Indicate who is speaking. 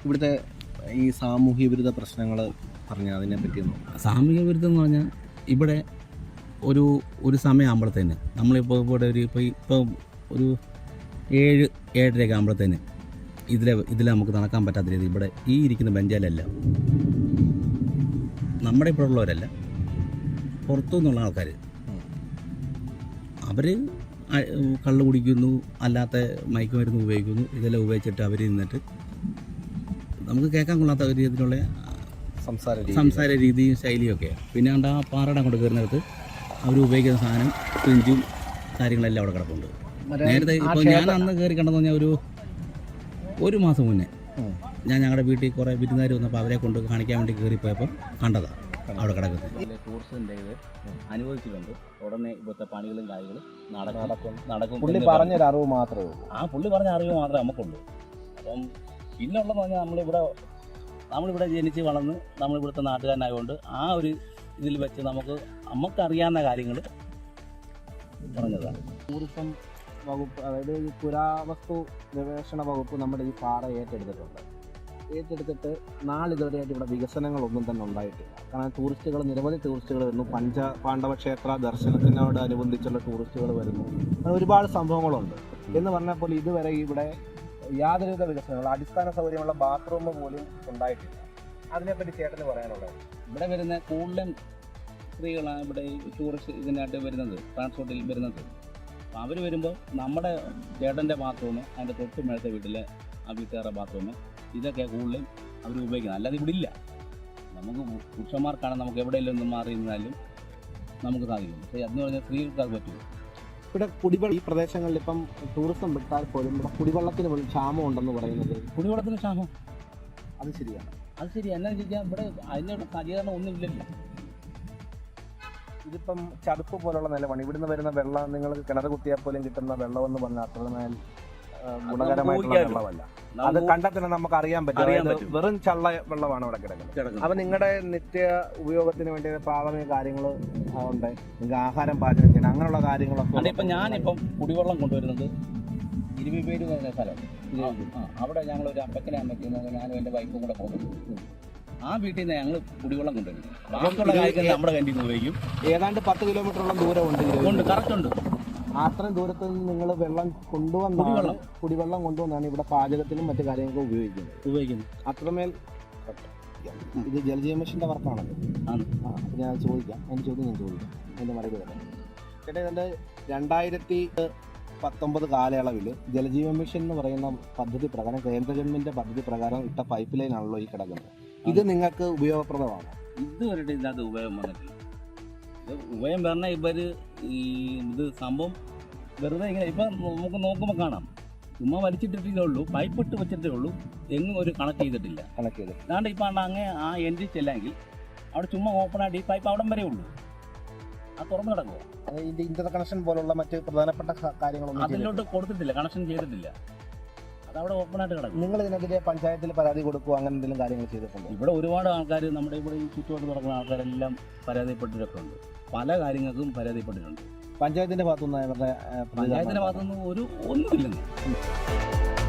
Speaker 1: ഇവിടുത്തെ ഈ സാമൂഹ്യ വിരുദ്ധ പ്രശ്നങ്ങൾ പറഞ്ഞാൽ അതിനെ പറ്റിയൊന്നും.
Speaker 2: സാമൂഹ്യ വിരുദ്ധം എന്ന് പറഞ്ഞാൽ ഇവിടെ ഒരു സമയമാകുമ്പോഴത്തേന് നമ്മളിപ്പോൾ ഇവിടെ ഇപ്പോൾ ഒരു 7-7:30 ആകുമ്പോഴത്തേന് ഇതിൽ നമുക്ക് നടക്കാൻ പറ്റാത്ത രീതി ഇവിടെ ഈ ഇരിക്കുന്ന ബെഞ്ചിലല്ല, നമ്മുടെ ഇവിടെ ഉള്ളവരല്ല, പുറത്തു നിന്നുള്ള ആൾക്കാർ അവർ കള്ള് കുടിക്കുന്നു, അല്ലാത്ത മയക്കുമരുന്ന് ഉപയോഗിക്കുന്നു. ഇതെല്ലാം ഉപയോഗിച്ചിട്ട് അവർ നിന്നിട്ട് നമുക്ക് കേൾക്കാൻ കൊള്ളാത്ത ഒരു രീതിയിലുള്ള സംസാര രീതിയും ശൈലിയൊക്കെയാണ്. പിന്നെ കണ്ട ആ പാറയുടെ അങ്ങോട്ട് കയറുന്നിടത്ത് അവർ ഉപയോഗിക്കുന്ന സാധനം ഫ്രിഞ്ചും കാര്യങ്ങളെല്ലാം അവിടെ കിടപ്പുണ്ട്. നേരത്തെ ഇപ്പോൾ ഞാൻ അന്ന് കയറി കണ്ടെന്ന് പറഞ്ഞാൽ ഒരു മാസം മുന്നേ ഞാൻ ഞങ്ങളുടെ വീട്ടിൽ കുറേ വിരുന്നുകാർ വന്നപ്പോൾ അവരെ കൊണ്ട് കാണിക്കാൻ വേണ്ടി കയറിപ്പോയപ്പോൾ കണ്ടതാണ് അവിടെ കിടക്കുന്നത്. ടൂറിസ്റ്റിൻ്റെ ഇത് അനുഭവിച്ചിട്ടുണ്ട്. ഉടനെ ഇപ്പോഴത്തെ പണികളും കാര്യങ്ങളും നടക്കും.
Speaker 1: പുള്ളി പറഞ്ഞൊരു അറിവ് മാത്രമേ ഉള്ളൂ.
Speaker 2: ആ പുള്ളി പറഞ്ഞ അറിവ് മാത്രമേ നമുക്കുള്ളൂ. അപ്പം പിന്നുള്ളതെന്ന് പറഞ്ഞാൽ നമ്മളിവിടെ ജനിച്ച് വളർന്ന് നമ്മളിവിടുത്തെ നാട്ടുകാരനായതുകൊണ്ട് ആ ഒരു ഇതിൽ വെച്ച് നമുക്കറിയാവുന്ന കാര്യങ്ങൾ പറഞ്ഞതാണ്.
Speaker 1: ടൂറിസം വകുപ്പ്, അതായത് ഈ പുരാവസ്തു ഗവേഷണ വകുപ്പ് നമ്മുടെ ഈ പാറ ഏറ്റെടുത്തിട്ട് നാളിതുവരെയായിട്ട് ഇവിടെ വികസനങ്ങളൊന്നും തന്നെ ഉണ്ടായിട്ടില്ല. കാരണം നിരവധി ടൂറിസ്റ്റുകൾ വരുന്നു, പാണ്ഡവ ക്ഷേത്ര ദർശനത്തിനോട് അനുബന്ധിച്ചുള്ള ടൂറിസ്റ്റുകൾ വരുന്നു, അങ്ങനെ ഒരുപാട് സംഭവങ്ങളുണ്ട്. എന്ന് പറഞ്ഞപ്പോൾ ഇതുവരെ ഇവിടെ യാതൊരുവിധ വികസനങ്ങൾ, അടിസ്ഥാന സൗകര്യമുള്ള ബാത്റൂം പോലും ഉണ്ടായിട്ടില്ല. അതിനെപ്പറ്റി ചേട്ടന് പറയാനുള്ളത്?
Speaker 2: ഇവിടെ വരുന്ന കൂടുതലും സ്ത്രീകളാണ് ഇവിടെ ടൂറിസ്റ്റ് ഇതിനായിട്ട് വരുന്നത്, ട്രാൻസ്പോർട്ടിൽ വരുന്നത്. അപ്പോൾ അവർ വരുമ്പോൾ നമ്മുടെ ചേട്ടൻ്റെ ബാത്റൂം, അതിൻ്റെ തൊട്ട് മേളത്തെ വീട്ടിലെ ആ വീട്ടുകാരുടെ ബാത്റൂം, ഇതൊക്കെ കൂടുതലും അവർ ഉപയോഗിക്കുന്നത്. അല്ലാതെ ഇവിടെ ഇല്ല. നമുക്ക് പുരുഷന്മാർക്കാണ് നമുക്ക് എവിടെയെങ്കിലും ഒന്നും മാറി നിന്നാലും നമുക്ക് സാധിക്കും. പക്ഷേ അതെന്ന് പറഞ്ഞാൽ സ്ത്രീകൾക്ക് അത് പറ്റുമോ?
Speaker 1: ഇവിടെ ഈ പ്രദേശങ്ങളിൽ ഇപ്പം ടൂറിസം വിട്ടാൽ പോലും ഇവിടെ കുടിവെള്ളത്തിന് പോലും ക്ഷാമം ഉണ്ടെന്ന് പറയുന്നത്.
Speaker 2: കുടിവെള്ളത്തിന് ക്ഷാമം
Speaker 1: അത് ശരിയാണ്.
Speaker 2: അത് ശരി. എന്നാന്ന് ചോദിച്ചാൽ ഇവിടെ അതിനുള്ള സജ്ജീകരണം ഒന്നും ഇല്ലല്ലോ.
Speaker 1: ഇതിപ്പം ചതുപ്പ് പോലുള്ള നിലമാണ്. ഇവിടുന്ന് വരുന്ന വെള്ളം നിങ്ങൾക്ക് കിണർ കുത്തിയാൽ പോലും കിട്ടുന്ന വെള്ളമെന്ന് പറഞ്ഞാൽ അത്രമേൽ ഗുണകരമായിട്ടുള്ള വെള്ളമല്ല. അത് കണ്ടാൽ തന്നെ നമുക്ക് അറിയാൻ പറ്റും. വെറും ചള്ള വെള്ളമാണ് അവിടെ കിടക്കുന്നത്. അപ്പൊ നിങ്ങളുടെ നിത്യ ഉപയോഗത്തിന് വേണ്ടി പ്രാഥമിക കാര്യങ്ങൾ ഉണ്ട്, നിങ്ങൾക്ക് ആഹാരം പാചകം ചെയ്യണം, അങ്ങനെയുള്ള കാര്യങ്ങളൊക്കെ.
Speaker 2: ഇപ്പം ഞാനിപ്പം കുടിവെള്ളം കൊണ്ടുവരുന്നത് 20 പേര് വരുന്ന സ്ഥലമാണ്. അവിടെ ഞങ്ങളൊരു അപ്പക്കനെ അമ്മയ്ക്ക് ഞാനും എൻ്റെ വൈഫും കൂടെ പോകുന്നു. ആ വീട്ടിൽ നിന്ന് ഞങ്ങൾ കുടിവെള്ളം കൊണ്ടുവരുന്നു. ബാക്കിയുള്ള കാര്യങ്ങൾ നമ്മുടെ കണ്ടിൽ നിന്ന് ഉപയോഗിക്കും.
Speaker 1: ഏതാണ്ട് 10 കിലോമീറ്ററോളം ദൂരമുണ്ട്.
Speaker 2: കറക്റ്റുണ്ട്.
Speaker 1: അത്രയും ദൂരത്ത് നിന്ന് നിങ്ങൾ വെള്ളം കുടിവെള്ളം കൊണ്ടുവന്നാണ് ഇവിടെ പാചകത്തിനും മറ്റു കാര്യങ്ങൾക്കും ഉപയോഗിക്കുന്നത്. അത്രമേൽ ഇത് ജലജീവൻ മിഷന്റെ വർക്കാണല്ലോ. അപ്പം ഞാൻ ചോദിക്കാം, എൻ്റെ മറുപടി തരാം. ചേട്ടാ, ഇതിൻ്റെ 2019 കാലയളവിൽ ജലജീവൻ മിഷൻ എന്ന് പറയുന്ന പദ്ധതി പ്രകാരം, കേന്ദ്ര ഗവൺമെൻറ് പദ്ധതി പ്രകാരം ഇട്ട പൈപ്പ് ലൈൻ ആണല്ലോ ഈ കിടക്കുന്നത്. ഇത് നിങ്ങൾക്ക് ഉപയോഗപ്രദമാണ്?
Speaker 2: ഇതുവരെ ഇതിനകത്ത് ഉപയോഗം വന്നിട്ടില്ല. ഉപയോഗം പറഞ്ഞാൽ ഇത് സംഭവം വെറുതെ ഇങ്ങനെ ഇപ്പം നമുക്ക് നോക്കുമ്പോൾ കാണാം, ചുമ്മാ വലിച്ചിട്ടിട്ടേ ഉള്ളൂ, പൈപ്പ് ഇട്ട് വെച്ചിട്ടേ ഉള്ളൂ, എങ്ങും ഒരു കണക്ട് ചെയ്തിട്ടില്ല. അതാണ്ട് ഇപ്പം അങ്ങ് ആ എൻട്രി ചെല്ലെങ്കിൽ അവിടെ ചുമ്മാ ഓപ്പണായിട്ട് ഈ പൈപ്പ് അവിടം വരെ ഉള്ളൂ, അത് തുറന്നു കിടക്കുക.
Speaker 1: ഇതിൻ്റെ ഇന്റർ കണക്ഷൻ പോലുള്ള മറ്റ് പ്രധാനപ്പെട്ട കാര്യങ്ങളൊന്നും
Speaker 2: അതിലോട്ട് കൊടുത്തിട്ടില്ല, കണക്ഷൻ ചെയ്തിട്ടില്ല, അതവിടെ ഓപ്പണായിട്ട് കിടക്കും.
Speaker 1: നിങ്ങൾ ഇതിനെതിരെ പഞ്ചായത്തിൽ പരാതി കൊടുക്കുക, അങ്ങനെ എന്തെങ്കിലും കാര്യങ്ങൾ ചെയ്തിട്ടുണ്ടോ?
Speaker 2: ഇവിടെ ഒരുപാട് ആൾക്കാർ, നമ്മുടെ ഇവിടെ ഈ ചുറ്റുപാട് നടക്കുന്ന ആൾക്കാരെല്ലാം പരാതിപ്പെട്ടിട്ടൊക്കെ ഉണ്ട്. പല കാര്യങ്ങൾക്കും പരാതിപ്പെട്ടിട്ടുണ്ട്.
Speaker 1: പഞ്ചായത്തിന്റെ ഭാഗത്തുനിന്ന്
Speaker 2: ഒന്നുമില്ലെന്ന്.